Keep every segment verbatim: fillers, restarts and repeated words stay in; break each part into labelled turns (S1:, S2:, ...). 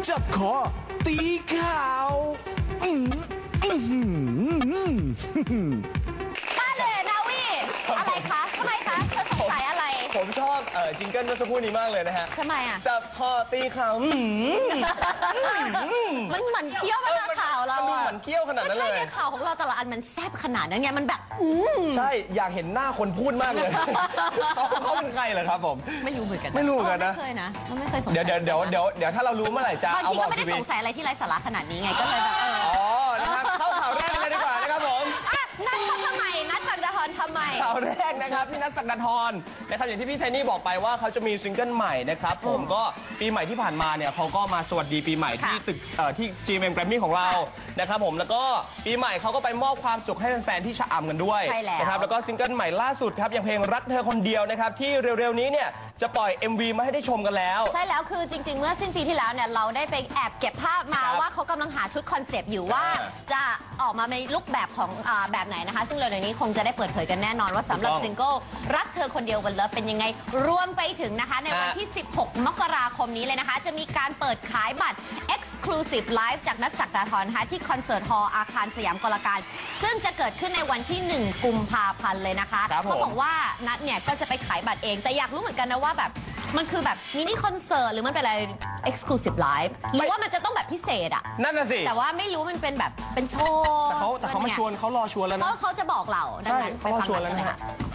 S1: จับคอตีข่าวอื้ออื้อหือ
S2: มาเลยนาวีอะไรคะทำไมคะเธอสงสัยอะไร
S3: ผมชอบเอ่อจิงเกิลเมื่อสักครู่นี้มากเลยนะฮะ
S2: ทำไมอ่ะ
S3: จับคอตีข่าวอื้อหือ
S2: มันหมันเคี้ยวมาข่าวเรา
S3: มันดู
S2: อะ
S3: เหมือนเคี้ยวขนาดนั้นเลย
S2: ใช่ข่าวของเราแต่ละอันมันแซ่บขนาดนั้นไงมันแบบอืม
S3: ใช่อยากเห็นหน้าคนพูดมากเลยเขาเขาเป็นใครเหรอครับผม
S2: ไม่รู้เหมือนกัน
S3: ไม่รู้เหมือนกันนะ
S2: ไม่เคยนะไม่เคยสงสัย
S3: เดี๋ยวเดี๋ยวเดี๋ยวเดี๋ยวเดี๋ยวถ้าเรารู้เมื่อไหร่จะ
S2: บาง
S3: เอา
S2: ที
S3: บอ
S2: ก็
S3: ก
S2: ไม่
S3: ที
S2: ได้
S3: วี
S2: สงสัยอะไรที่ไร้สาระขนาดนี้ไงก็เลยแบบเออ
S3: อ๋อนะครับเข้าข่าวแรกเลยดีกว่านะครับผม
S2: อ่ะนัดเขาทำไมนัดจักรดาธรทำไม
S3: ข่าวแรกนะครับพี่นัทศักดาธรนะครับอย่างที่พี่ไทนี่บอกไปว่าเขาจะมีซิงเกิลใหม่นะครับผมก็ปีใหม่ที่ผ่านมาเนี่ยเขาก็มาสวัสดีปีใหม่ที่ตึกเอ่อที่ จี เอ็ม เอ็ม Grammy ของเรานะครับผมแล้วก็ปีใหม่เขาก็ไปมอบความสุขให้แฟนๆที่ชะอำกันด้วยนะครับแล้วก็ซิงเกิลใหม่ล่าสุดครับอย่างเพลงรักเธอคนเดียวนะครับที่เร็วๆนี้เนี่ยจะปล่อย เอ็ม วี มาให้ได้ชมกันแล้ว
S2: ใช่แล้วคือจริงๆเมื่อสิ้นปีที่แล้วเนี่ยเราได้ไปแอบเก็บภาพมาว่าเขากำลังหาชุดคอนเซปต์อยู่ว่าจะออกมาในลุคแบบของอ่าแบบไหนนะคะซึ่งเร็วๆนี้คงจะได้เปิดเผยกันแน่นอนว่าสำหรับซิงเกิลรักเธอคนเดียววันเลิฟเป็นยังไงรวมไปถึงนะคะในวันที่สิบหกมกราคมนี้เลยนะคะจะมีการเปิดขายบัตร Exclusive Live จากนัทศักดาธรนะคะที่คอนเสิร์ตฮอลล์อาคารสยามกลการซึ่งจะเกิดขึ้นในวันที่หนึ่งกุมภาพันธ์เลยนะคะเขาบอกว่านัทเนี่ยก็จะไปขายบัตรเองแต่อยากรู้เหมือนกันนะว่าแบบมันคือแบบมินิคอนเสิร์ตหรือมันเป็นอะไร Exclusive Live หรือว่ามันจะต้องแบบพิเศษอะ
S3: นั่นน่ะสิ
S2: แต่ว่าไม่รู้มันเป็นแบบเป็นโชว์
S3: แต่เขาแต่เขามาชวนเขารอชวนแล้วนะ
S2: เขาเขาจะบอกเราดังนั้นไปฟังกันเลยค่ะ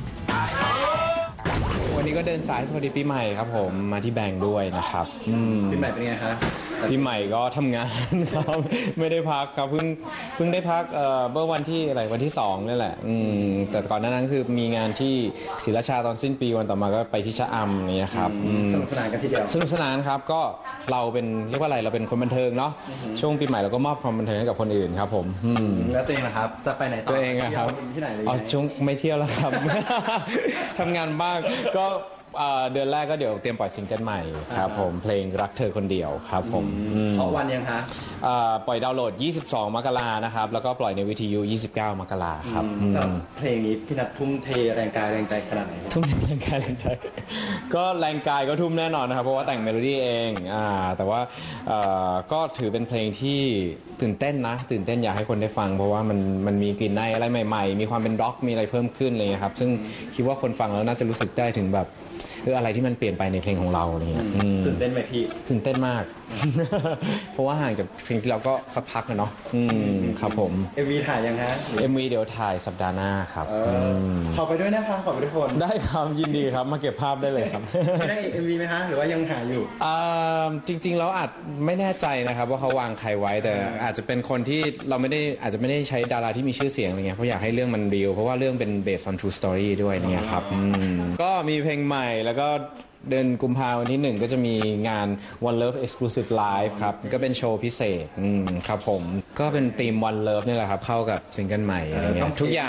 S4: วันนี้ก็เดินสายสวัสดีปีใหม่ครับผมมาที่แบงค์ด้วยนะครับ
S5: ปีใหม่เป็นไงคะ
S4: ปีใหม่ก็ทำงานครับไม่ได้พักครับเพิ่งเพิ่งได้พักเอ่อเมื่อวันที่อะไรวันที่สองนี่แหละอืมแต่ก่อนหน้านั้นคือมีงานที่ศรีราชาตอนสิ้นปีวันต่อมาก็ไปที่ชะอำนี่ครับ
S5: สนุกสนานกันทีเดียว
S4: สนุกสนานครับก็เราเป็นเรียกว่าอะไรเราเป็นคนบันเทิงเนาะช่วงปีใหม่เราก็มอบความบันเทิงให้กับคนอื่นครับผม
S5: แล้วตัวเองนะครับจะไปไหนต่อ
S4: ตัวเองครับ
S5: ที่ไหนเลย
S4: อ๋อช่วงไม่เที่ยวแล้วครับ ทำงานบ้างก็เดือนแรกก็เดี๋ยวเตรียมปล่อยซิงเกิลใหม่ครับผมเพลงรักเธอคนเดียวครับผม
S5: เพราะวันยังคะ
S4: ปล่อยดาวน์โหลดยี่สิบสองมกรานะครับแล้วก็ปล่อยในวิทยุยี่สิบเก้ามกราครับ
S5: สำหรับเพลงนี้พี่นัททุ่มเทแรงกายแรงใจขนาดไหน
S4: ทุ่มเทแรงกายแรงใจก็แรงกายก็ทุ่มแน่นอนนะครับเพราะว่าแต่งเมโลดี้เองอ่าแต่ว่าก็ถือเป็นเพลงที่ตื่นเต้นนะตื่นเต้นอยากให้คนได้ฟังเพราะว่ามันมันมีกลิ่นในอะไรใหม่ๆมีความเป็นร็อกมีอะไรเพิ่มขึ้นเลยครับซึ่งคิดว่าคนฟังแล้วน่าจะรู้สึกได้ถึงแบบคืออะไรที่มันเปลี่ยนไปในเพลงของเราอะไรเงี้ย
S5: ตื่นเต้นไหมพี่
S4: ตื่นเต้นมากเพราะว่าห่างจากเพลงที่เราก็สักพักนะเนาะครับผม
S5: เอ็ม วี ถ่ายยังฮะ
S4: เอ็ม วี เดี๋ยวถ่ายสัปดาห์หน้าครับ
S5: ขอไปด้วยนะคะขอไปทุกคน
S4: ได้ครับยินดีครับมาเก็บภาพได้เลยครับ
S5: ไม่ได้ เอ็ม วี ไหมฮะหรือว่ายังหาอยู่
S4: จริงๆแล้วอาจไม่แน่ใจนะครับว่าเขาวางใครไว้แต่อาจจะเป็นคนที่เราไม่ได้อาจจะไม่ได้ใช้ดาราที่มีชื่อเสียงอะไรเงี้ยเพราะอยากให้เรื่องมันรีลเพราะว่าเรื่องเป็น based on true story ด้วยเนี่ยครับก็มีเพลงใหม่แล้วก็เดือนกุมภาพันธ์วันที่หนึ่งก็จะมีงาน One Love Exclusive Live ครับก็เป็นโชว์พิเศษครับผมก็เป็นธีม One Love นี่แหละครับเข้ากับซิงเกิลใหม่อะไรเงี้ยทุกอย่าง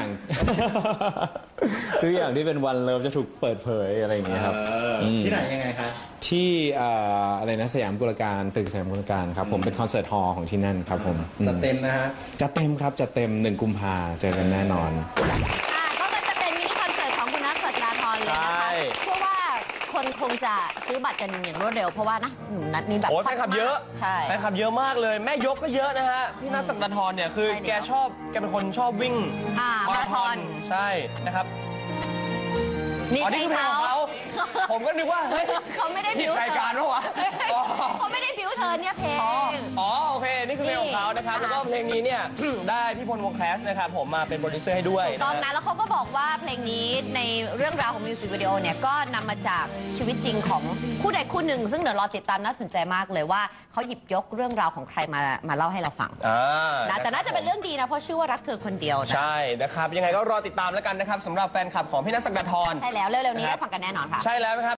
S4: ทุกอย่างที่เป็น One Love จะถูกเปิดเผยอะไรอย่างเงี้ยครับ
S5: ที่ไหนยังไงคะ
S4: ที่อะไรนะสยามกุลการตึกสยามกุลการครับผมเป็นคอนเสิร์ตฮอลล์ของที่นั่นครับผม
S5: จะเต็มนะฮะ
S4: จะเต็มครับจะเต็มหนึ่งกุมภาเจอกันแน่นอน
S2: ก็จะเป็นมินิคอนเสิร์ตของคุณนัทศักดาธรเลยนะคะเชื่อว่าคนคงจะซื้อบัตรกันอย่างรวดเร็วเพราะว่านะหนุ่มนัทมีแบบ
S3: โอ้แฟนคลับเยอะ
S2: ใช่
S3: แฟนคลับเยอะมากเลยแม่ยกก็เยอะนะฮะพี่นัทศักดาธรเนี่ยคือแกชอบแกเป็นคนชอบวิ่ง
S2: มาราธอน
S3: ใช่นะครับ
S2: นี่เพลงเขา
S3: ผมก็นึกว่าเฮ้ย
S2: เขาไม่ได้บิว
S3: รายการหรอวะ
S2: เขาไม่ได้บิวเธอเนี่ยเพลง
S3: อ๋อโอเคนี่คือเพลงของเขานะครับแล้วก็เพลงนี้เนี่ยได้พี่พลวงแคสนะครับผมมาเป็นโปรดิวเซอร์ให้ด้วย
S2: ตอนนั้นแล้วเขาก็บอกว่าเพลงนี้ในเรื่องราวของมิวสิกวิดีโอเนี่ยก็นำมาจากชีวิตจริงของคู่ใดคู่หนึ่งซึ่งเดี๋ยวรอติดตามน่าสนใจมากเลยว่าเขาหยิบยกเรื่องราวของใครมามาเล่าให้เราฟังนะแต่น่าจะเป็นเรื่องดีนะเพราะชื่อว่ารักเธอคนเดียว
S3: ใช่นะครับยังไงก็รอติดตามแล้วกันนะครับสำหรับแฟนคลับของพี่นัทศักดาธร
S2: ใช่แล้วเร็วๆนี้ได้ฟังกันแน่นอนค่ะ
S3: ใช่แล้วนะครับ